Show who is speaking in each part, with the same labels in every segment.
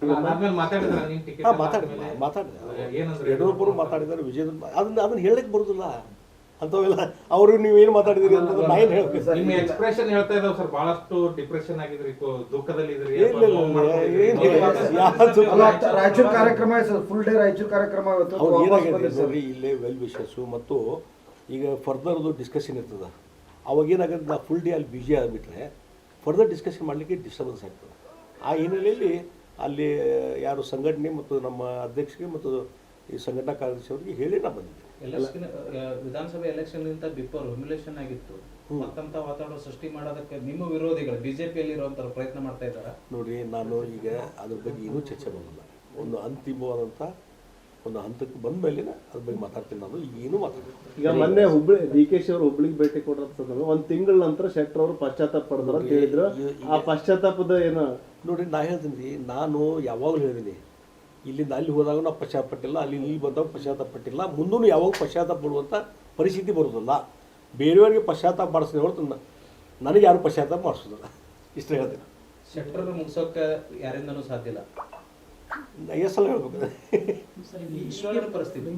Speaker 1: ಮಾತಾಡಿದೆ ಯಡಿಯೂರಪ್ಪರು ಮಾತಾಡಿದ್ದಾರೆ, ವಿಜಯೇಂದ್ರ ಅದನ್ನ ಹೇಳಕ್ಕೆ ಬರುದಿಲ್ಲ ಅಂತವೆಲ್ಲ. ಅವರು ನೀವೇನು ಮಾತಾಡಿದಿರಿ ಅಂತಂದ್ರೆ ನಾ ಏನು ಹೇಳ್ಬೇಕು?
Speaker 2: ನಿಮ್ಮ ಎಕ್ಸ್ಪ್ರೆಷನ್ ಹೇಳ್ತಾ ಇದ್ದಾವೆ ಸರ್, ಬಹಳಷ್ಟು ಡಿಪ್ರೆಷನ್ ಆಗಿದ್ರಿ, ದುಃಖದಲ್ಲಿ ಇದ್ರಿ.
Speaker 3: ರಾಯಚೂರು ಕಾರ್ಯಕ್ರಮ ಫುಲ್ ಡೇ ರಾಯಚೂರು ಕಾರ್ಯಕ್ರಮ
Speaker 1: ಅವ್ರು ಏನಾಗಿದೆ ನೋಡ್ರಿ, ಇಲ್ಲೇ ವೆಲ್ ವಿಶಸ್ಸು ಮತ್ತು ಈಗ ಫರ್ದರ್ದು ಡಿಸ್ಕಷನ್ ಇರ್ತದೆ. ಅವಾಗ ಏನಾಗುತ್ತೆ, ನಾ ಫುಲ್ ಡೇ ಅಲ್ಲಿ ಬ್ಯುಸಿ ಆಗಿಬಿಟ್ರೆ ಫರ್ದರ್ ಡಿಸ್ಕಷನ್ ಮಾಡಲಿಕ್ಕೆ ಡಿಸ್ಟರ್ಬೆನ್ಸ್ ಆಗ್ತದೆ. ಆ ಹಿನ್ನೆಲೆಯಲ್ಲಿ ಅಲ್ಲಿ ಯಾರು ಸಂಘಟನೆ ಮತ್ತು ನಮ್ಮ ಅಧ್ಯಕ್ಷರಿಗೆ ಮತ್ತು ಈ ಸಂಘಟನಾ ಕಾರ್ಯದರ್ಶಿ ಅವರಿಗೆ ಹೇಳಿ ನಾ ಬಂದಿದ್ದೆ.
Speaker 4: ವಿಧಾನಸಭೆ ಎಲೆಕ್ಷನ್ಗಿಂತ ಬಿಫೋರ್ ಹ್ಯುಮಿಲೇಷನ್ ಆಗಿತ್ತು, ಮತ್ತಂತ ವಾತಾವರಣ ಸೃಷ್ಟಿ ಮಾಡೋದಕ್ಕೆ ನಿಮ್ಮ ವಿರೋಧಿಗಳು ಬಿಜೆಪಿಯಲ್ಲಿ ಇರುವಂತ ಪ್ರಯತ್ನ ಮಾಡ್ತಾ ಇದ್ದಾರೆ.
Speaker 1: ನೋಡ್ರಿ, ನಾನು ಈಗ ಅದ್ರ ಬಗ್ಗೆ ಏನೂ ಚರ್ಚೆ ಮಾಡೋಲ್ಲ. ಒಂದು ಅಂತಿಮವಾದಂಥ ಒಂದು ಹಂತಕ್ಕೆ ಬಂದ ಮೇಲೆ ಅದ್ರ ಬಗ್ಗೆ ಮಾತಾಡ್ತೀನಿ. ನಾನು ಏನೂ ಮಾತಾಡ್ತೀನಿ.
Speaker 5: ಈಗ ಮೊನ್ನೆ DKಶಿ ಅವರು ಹುಬ್ಳಿಗೆ ಭೇಟಿ ಕೊಡೋದು ಒಂದು ತಿಂಗಳ ನಂತರ ಶೆಟ್ಟರ್ ಅವರು ಪಶ್ಚಾತ್ತಾಪ ಪಡೆದ್ರು ಅಂತ ಹೇಳಿದ್ರು. ಆ ಪಶ್ಚಾತ್ತಾಪದ ಏನು
Speaker 1: ನೋಡ್ರಿ, ನಾ ಹೇಳ್ತೀನಿ ರೀ, ನಾನು ಯಾವಾಗಲೂ ಹೇಳಿದ್ದೀನಿ, ಇಲ್ಲಿಂದ ಅಲ್ಲಿ ಹೋದಾಗ ನಾವು ಪಶ್ಚಾತ್ತಾಪ ಪಟ್ಟಿಲ್ಲ, ಅಲ್ಲಿ ಇಲ್ಲಿ ಬಂದಾಗ ಪಶ್ಚಾತ್ತಾಪ ಪಟ್ಟಿಲ್ಲ, ಮುಂದೂ ಯಾವಾಗ ಪಶ್ಚಾತ್ತಾಪ ಪಡುವಂಥ ಪರಿಸ್ಥಿತಿ ಬರೋದಿಲ್ಲ. ಬೇರೆಯವರಿಗೆ ಪಶ್ಚಾತ್ತಾಪ ಮಾಡಿಸಿದ ಹೊರತು ನನಗೆ ಯಾರು ಪಶ್ಚಾತ್ತಾಪ ಮಾಡಿಸೋದಿಲ್ಲ. ಇಷ್ಟ ಹೇಳ್ತೀನಿ.
Speaker 4: ಶೆಟ್ಟರ್ ಮುಗಿಸೋಕೆ ಯಾರಿಂದನೂ ಸಾಧ್ಯ ಇಲ್ಲ.
Speaker 1: ಎಷ್ಟು ಸಲ ಹೇಳ್ಬೇಕು?
Speaker 4: ಪರಿಸ್ಥಿತಿ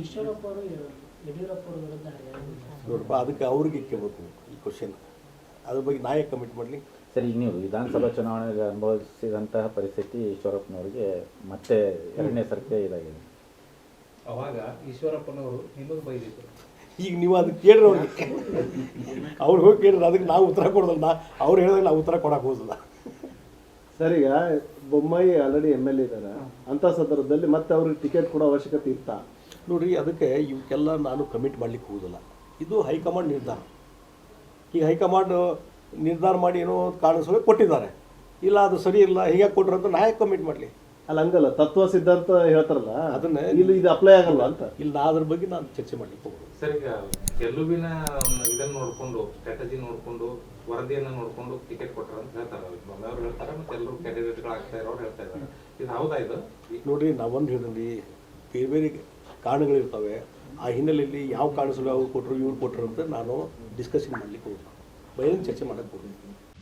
Speaker 1: ನೋಡಪ್ಪ, ಅದಕ್ಕೆ ಅವ್ರಿಗೆ ಕೇಳಬೇಕು ಈ ಕ್ವಶನ್. ಅದ್ರ ಬಗ್ಗೆ ನಾ ಯಾಕೆ ಕಮಿಟ್ ಮಾಡಲಿ?
Speaker 6: ಸರಿ, ನೀವು ವಿಧಾನಸಭಾ ಚುನಾವಣೆಗೆ ಅನುಭವಿಸಿದಂತಹ ಪರಿಸ್ಥಿತಿ ಈಶ್ವರಪ್ಪನವರಿಗೆ ಮತ್ತೆ ಎರಡನೇ ಸರ್ತಿ ಇದಾಗಿದೆ.
Speaker 4: ಅವಾಗ ಈಶ್ವರಪ್ಪನವರು ನಿಮಗೆ ಬೈದಿದ್ರು.
Speaker 1: ಈಗ ನೀವು ಅದಕ್ಕೆ ಕೇಳ್ರಿ ಅವ್ರಿಗೆ, ಅವ್ರು ಹೋಗಿ ಕೇಳ್ರಿ, ಅದಕ್ಕೆ ನಾವು ಉತ್ತರ ಕೊಡೋದಲ್ಲ. ಅವ್ರು ಹೇಳಿದಾಗ ನಾವು ಉತ್ತರ ಕೊಡಕ್ಕೆ ಹೋಗೋದಿಲ್ಲ.
Speaker 5: ಸರ್, ಈಗ ಬೊಮ್ಮಾಯಿ ಆಲ್ರೆಡಿ MLA ಇದ್ದಾರೆ, ಅಂಥ ಸಂದರ್ಭದಲ್ಲಿ ಮತ್ತೆ ಅವ್ರಿಗೆ ಟಿಕೆಟ್ ಕೊಡೋ ಅವಶ್ಯಕತೆ ಇತ್ತಾ?
Speaker 1: ನೋಡ್ರಿ, ಅದಕ್ಕೆ ಇವಕ್ಕೆಲ್ಲ ನಾನು ಕಮಿಟ್ ಮಾಡ್ಲಿಕ್ಕೆ ಹೋಗೋದಿಲ್ಲ. ಇದು ಹೈಕಮಾಂಡ್ ನಿರ್ಧಾರ. ಈಗ ಹೈಕಮಾಂಡ್ ನಿರ್ಧಾರ ಮಾಡಿ ಏನೋ ಕಾಣಿಸೋ ಕೊಟ್ಟಿದ್ದಾರೆ, ಇಲ್ಲ ಅದು ಸರಿ ಇಲ್ಲ ಹೀಗೆ ಕೊಟ್ರು ಅಂತ ನಾ ಯಾಕೆ ಕಮಿಟ್ ಮಾಡಲಿ?
Speaker 5: ಅಲ್ಲ, ಹಂಗಲ್ಲ, ತತ್ವ ಸಿದ್ಧಾಂತ ಹೇಳ್ತಾರಲ್ಲ,
Speaker 1: ಅದನ್ನ
Speaker 5: ಇಲ್ಲಿ ಇದು ಅಪ್ಲೈ ಆಗಲ್ಲ ಅಂತ.
Speaker 1: ಇಲ್ಲ, ನಾ ಅದ್ರ ಬಗ್ಗೆ ನಾನು ಚರ್ಚೆ ಮಾಡ್ಲಿಕ್ಕೆ ಹೋಗೋದು.
Speaker 2: ಸರ್, ಈಗ ಗೆಲುವಿನ ಇದನ್ನ ನೋಡ್ಕೊಂಡು, ಸ್ಟ್ರಾಟಜಿ ನೋಡ್ಕೊಂಡು, ವರದಿಯನ್ನ ನೋಡ್ಕೊಂಡು ಟಿಕೆಟ್ ಕೊಟ್ಟರು ಅಂತ ಹೇಳ್ತಾರೆ. ಅವ್ರು ಹೇಳ್ತಾರೆ, ಮತ್ತೆ ಎಲ್ಲರೂ ಕ್ಯಾಂಡಿಡೇಟ್ಗಳು ಆಗ್ತಾ ಇರೋರು ಹೇಳ್ತಾ ಇದ್ದಾರೆ. ಇದು ಹೌದಾ? ಇದು
Speaker 1: ನೋಡ್ರಿ, ನಾವೊಂದು ಹೇಳಿದ್ರಿ, ಬೇರೆ ಬೇರೆ ಕಾರಣಗಳಿರ್ತವೆ. ಆ ಹಿನ್ನೆಲೆಯಲ್ಲಿ ಯಾವ ಕಾರಣ ಸಲ ಅವ್ರು ಕೊಟ್ಟರು ಇವ್ರು ಕೊಟ್ಟರು ಅಂತ ನಾನು ಡಿಸ್ಕಷನ್ ಮಾಡ್ಲಿಕ್ಕೆ ಹೋಗೋದು, ಬಯಲು ಚರ್ಚೆ ಮಾಡಕ್ಕೆ ಹೋಗೋದು.